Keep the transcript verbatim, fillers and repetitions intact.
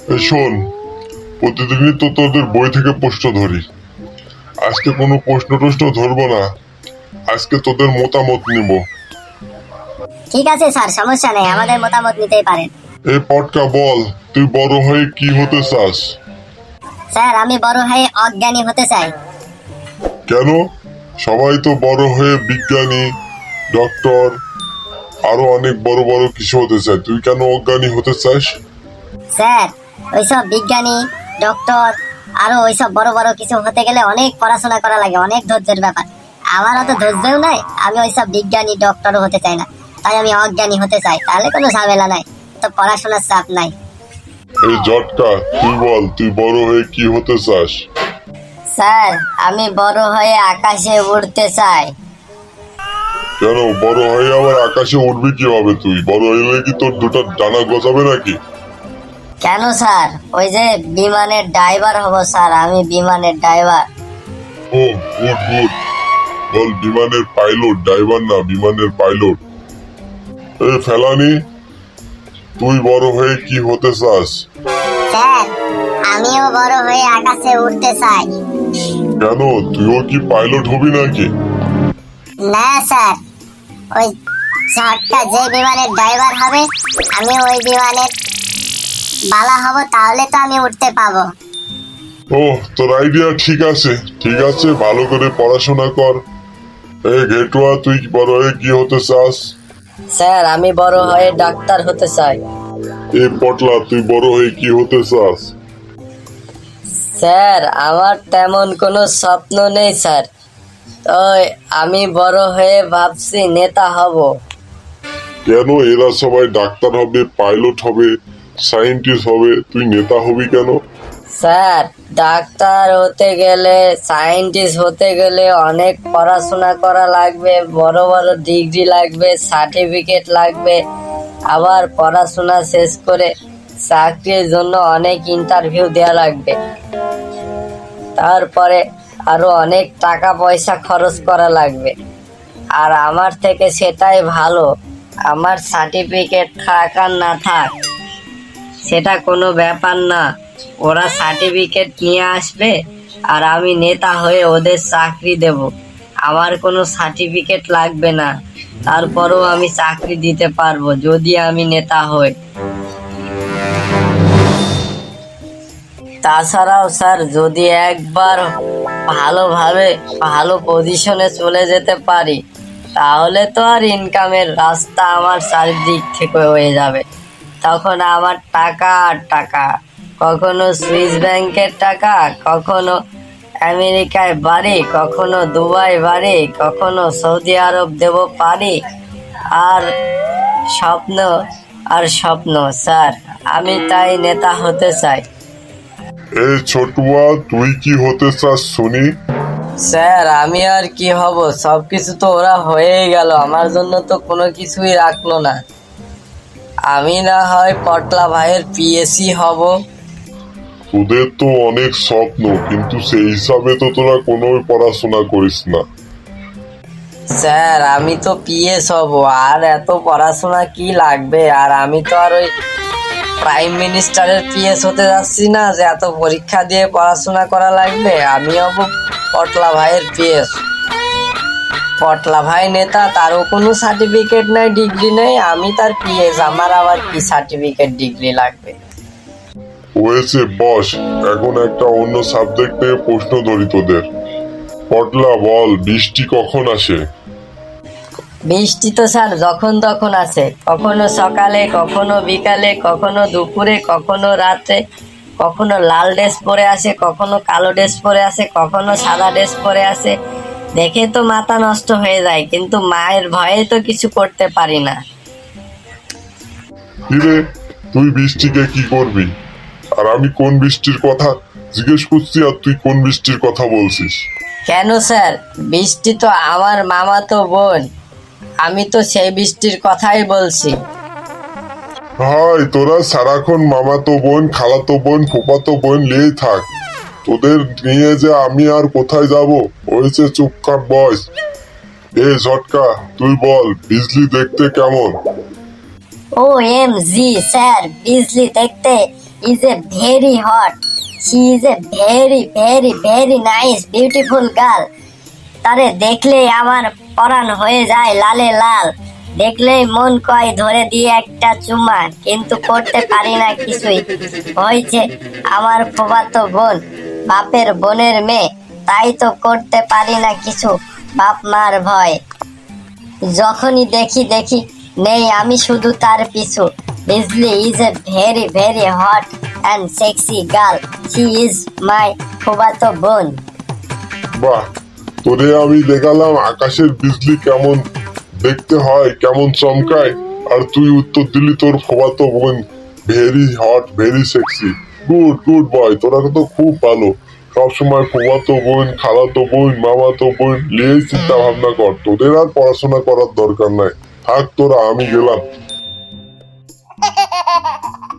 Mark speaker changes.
Speaker 1: এই শোন, প্রতিদিনই তো তোদের বই থেকে প্রশ্ন ধরি। আজকে কোনো প্রশ্ন টশ্ন ধরবো না, আজকে তোদের মতামত নিব।
Speaker 2: ঠিক আছে স্যার, সমস্যা নেই, আমাদের মতামত নিতেই পারেন।
Speaker 1: এই পটকা বল, তুই বড় হয়ে কি হতে চাস?
Speaker 2: স্যার, আমি বড় হয়ে অজ্ঞানী হতে চাই।
Speaker 1: কেন? সবাই তো বড় হয়ে বিজ্ঞানী, ডক্টর, আরো অনেক বড় বড় কিছু হতে চায়, তুই কেন অজ্ঞানী হতে চাস?
Speaker 2: স্যার, ওইসব বিজ্ঞানী, ডক্টর, আরো ওইসব বড় বড় কিছু হতে গেলে অনেক পড়াশোনা করা লাগে, অনেক ধৈর্যের ব্যাপার। আমার অত ধৈর্যও নাই, আমি ওইসব বিজ্ঞানী ডক্টরও হতে চাই না, তাই আমি অজ্ঞানী হতে চাই, তাহলে কোনো ঝামেলা নাই, তো পড়াশোনার চাপ নাই।
Speaker 1: এই জটকা, তুই বল, তুই বড় হয়ে কি হতে চাস?
Speaker 2: স্যার, আমি বড় হয়ে আকাশে উড়তে চাই।
Speaker 1: কেন বড় হয়ে আবার আকাশে উঠবি কিভাবে? তুই বড় হইলে কি তোর দুটো ডানা গজাবে নাকি?
Speaker 2: কেন স্যার, ওই যে বিমানের ড্রাইভার হব স্যার, আমি বিমানের ড্রাইভার।
Speaker 1: ও গুড গুড, বল বিমানের পাইলট, ড্রাইভার না, বিমানের পাইলট। এই ফেলানি, তুই বড় হয়ে কি হতে চাস?
Speaker 2: স্যার, আমিও বড় হয়ে আকাশে উড়তে চাই।
Speaker 1: কেন, তুইও কি পাইলট হবি নাকি?
Speaker 2: না স্যার, ওই ঝটকা যে বিমানের ড্রাইভার হবে, আমি ওই বিমানের বালা হব, তাহলে তো আমি উঠতে পাবো।
Speaker 1: ও, তোর আইডিয়া ঠিক আছে, ঠিক আছে, ভালো করে পড়াশোনা কর। এই ঘেটুয়া, তুই বড় হয়ে কি হতে চাস?
Speaker 3: স্যার, আমি বড় হয়ে ডাক্তার হতে চাই।
Speaker 1: এই পটলা, তুই বড় হয়ে কি হতে চাস?
Speaker 3: স্যার, আমার তেমন কোনো স্বপ্ন নেই স্যার, ওই আমি বড় হয়ে ভাবছি নেতা হব।
Speaker 1: কেন, এরা সবাই ডাক্তার হবে, পাইলট হবে, সায়েন্টিস্ট হবে, তুই নেতা হবি কেন?
Speaker 3: স্যার, ডাক্তার হতে গেলে, সায়েন্টিস্ট হতে গেলে অনেক পড়াশোনা করা লাগবে, বড় বড় ডিগ্রি লাগবে, সার্টিফিকেট লাগবে, আবার পড়াশোনা শেষ করে চাকরির জন্য অনেক ইন্টারভিউ দেওয়া লাগবে, তারপরে আরো অনেক টাকা পয়সা খরচ করা লাগবে। আর আমার থেকে সেটাই ভালো, আমার সার্টিফিকেট থাক আর না থাক সেটা কোনো ব্যাপার না, ওরা সার্টিফিকেট নিয়ে আসবে আর আমি নেতা হয়ে ওদের চাকরি দেব। আমার কোনো সার্টিফিকেট লাগবে না, তারপরেও আমি চাকরি দিতে পারবো যদি আমি নেতা হই। তাছাড়াও স্যার, যদি একবার ভালোভাবে ভালো পজিশনে চলে যেতে পারি, তাহলে তো আর ইনকামের রাস্তা আমার চারিদিক থেকে হয়ে যাবে। তখন আমার টাকা আর টাকা, কখনো সুইস ব্যাংকের টাকা, কখনো আমেরিকায় বাড়ি, কখনো দুবাই বাড়ি, কখনো সৌদি আরব দেব পারি, আর স্বপ্ন আর স্বপ্ন। স্যার, আমি তাই নেতা হতে চাই।
Speaker 1: এই ছোটুয়া, তুই কি হতে চাস শুনি?
Speaker 3: স্যার, আমি আর কি হব, সবকিছু তো ওরা হয়েই গেল, আমার জন্য তো কোনো কিছুই রাখলো না। আমি না হয় পটলা ভাইয়ের পিএসি হব।
Speaker 1: তোদের তো অনেক স্বপ্ন, কিন্তু সেই হিসাবে তো তোরা কোনো পড়াশোনা করিস না।
Speaker 3: স্যার, আমি তো পিএস হব, আর এত পড়াশোনা কি লাগবে? আর আমি তো আর ওই প্রাইম মিনিস্টারের পিএস হতে যাচ্ছি না যে এত পরীক্ষা দিয়ে পড়াশোনা করা লাগবে। আমি হব পটলা ভাইয়ের পিএস। পটলা ভাই নেতা, তারও কোনো সার্টিফিকেট নাই, ডিগ্রি নেই, আমি তার পিএস, আমার আবার কি সার্টিফিকেট ডিগ্রি লাগবে?
Speaker 1: হয়েছে বস, এখন একটা অন্য সাবজেক্ট নিয়ে প্রশ্ন ধরি তোদের। পটলা বল, বৃষ্টি কখন আসে?
Speaker 3: বৃষ্টি তো স্যার যখন তখন আসে, কখনো সকালে, কখনো বিকালে, কখনো দুপুরে, কখনো রাত্রে, কখনো লাল ড্রেস পরে আসে, কখনো কালো ড্রেস পরে আসে, কখনো সাদা ড্রেস পরে আসে, দেখে তো মাথা নষ্ট হয়ে যায়, কিন্তু মায়ের ভয়ে তো কিছু করতে পারি না।
Speaker 1: কিরে, তুই বৃষ্টিকে কি করবি? আর আমি কোন বৃষ্টির কথা জিজ্ঞেস করছি, আর তুই কোন বৃষ্টির কথা বলছিস?
Speaker 3: কেন স্যার, বৃষ্টি তো আমার মামাতো বোন, আমি তো সেই বৃষ্টির কথাই বলছি।
Speaker 1: হাই, তোরা সারাক্ষণ মামাতো বোন, খালাতো বোন, ফুফাতো বোন নিয়েই থাক, তোদের নিয়ে যে আমি আর কোথায় যাব? হয়েছে, চুপ কর বস। এ ঝটকা, তুই বল, বিজলি দেখতে কেমন?
Speaker 2: ও এম জি স্যার, বিজলি দেখতে is a very hot. She is a very very very nice beautiful girl. তারে দেখলেই আমার পরাণ হয়ে যায় লালে লাল, দেখলেই মন কয় ধরে দিয়ে একটা চুমা, কিন্তু করতে পারি না কিছুই। হয়েছে আমার ফুফাতো বোন, বাপের বোনের মেয়ে, তাই তো করতে পারি না কিছু, বাপ মার ভয়। যখনই দেখি দেখি নেই আমি শুধু তার পিছু। Bijli is a very very hot and sexy girl, she is my ফুফাতো বোন।
Speaker 1: বাহ, তোরে আমি দেখালাম আকাশের বিজলি কেমন দেখতে হয়, কেমন চমকায়, আর তুই উত্তর দিলি তোর ফুফাতো বোন very hot very sexy. Good good boy, তোরা তো খুব ভালো। সবসময় ফুফাতো বোন, খালাতো বোন, মামাতো বোন নিয়েই চিন্তা ভাবনা কর, তোদের আর পড়াশোনা করার দরকার নাই। থাক তোরা, আমি গেলাম।